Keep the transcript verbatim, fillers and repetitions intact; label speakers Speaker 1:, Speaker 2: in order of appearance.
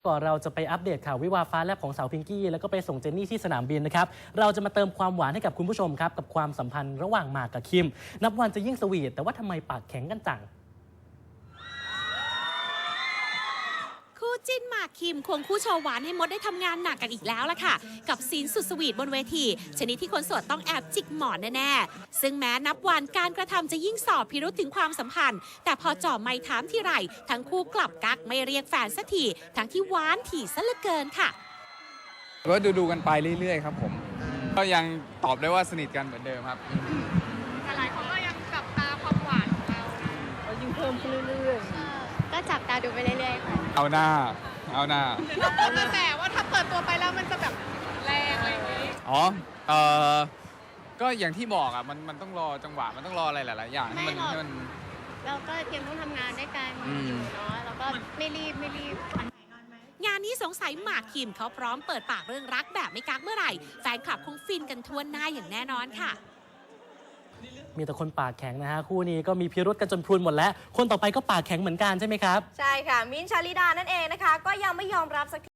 Speaker 1: ก่อนเราจะไปอัปเดตข่าววิวาฟ้าแลบของสาวพิงกี้แล้วก็ไปส่งเจนนี่ที่สนามบินนะครับเราจะมาเติมความหวานให้กับคุณผู้ชมครับกับความสัมพันธ์ระหว่างหมากกับคิมนับวันจะยิ่งสวีทแต่ว่าทำไมปากแข็งกันจัง
Speaker 2: คู่จิ้นหมากคิมควงคู่โชว์หวานให้มดได้ทำงานหนักกันอีกแล้วล่ะค่ะกับซีนสุดสวีทบนเวทีชนิดที่คนโสดต้องแอบจิกหมอนแน่ๆซึ่งแม้นับวันการกระทำจะยิ่งสอบพิรุธถึงความสัมพันธ์แต่พอจ่อไมค์ถามทีไรทั้งคู่กลับกักไม่เรียกแฟนสักทีทั้งที่หวานถี่ซะเหลือเกินค่ะ
Speaker 3: ก็ดูดูกันไปเรื่อยๆครับผมก็ยังตอบได้ว่าสนิทกันเหมือนเดิมครับ
Speaker 4: แต่หลายคนก็ยังจับตาความหวานของเรานะ
Speaker 1: ก็ยิ่งเพิ่มขึ้นเรื่อย
Speaker 4: ๆก็จับตาดูไปเรื่อยๆค่ะ
Speaker 3: เอาหน้าเอาหน้า
Speaker 4: แต่ว่าถ้าเปิดตัวไปแล้วมันจะแบบแรงอะไรอย่างนี้
Speaker 3: อ๋อเออก็อย่างที่บอกอ่ะมันมันต้องรอจังหวะมันต้องรออะไรหลายๆอย่างให้มันให้มัน
Speaker 4: เราก็เตรียมต้องทำงานด้วยกันอยู่เนาะแล้วก็ไม่รีบไม่รีบ
Speaker 2: งานนี้สงสัยหมากคิมเขาพร้อมเปิดปากเรื่องรักแบบไม่กักเมื่อไหร่แฟนคลับคงฟินกันทั่วหน้าอย่างแน่นอนค่ะ
Speaker 1: มีแต่คนปากแข็งนะฮะคู่นี้ก็มีพิรุธกันจนพรุนหมดแล้วคนต่อไปก็ปากแข็งเหมือนกันใช่ไหมครับ
Speaker 5: ใช่ค่ะมิ้นท์ ชาลิดานั่นเองนะคะก็ยังไม่ยอมรับสักที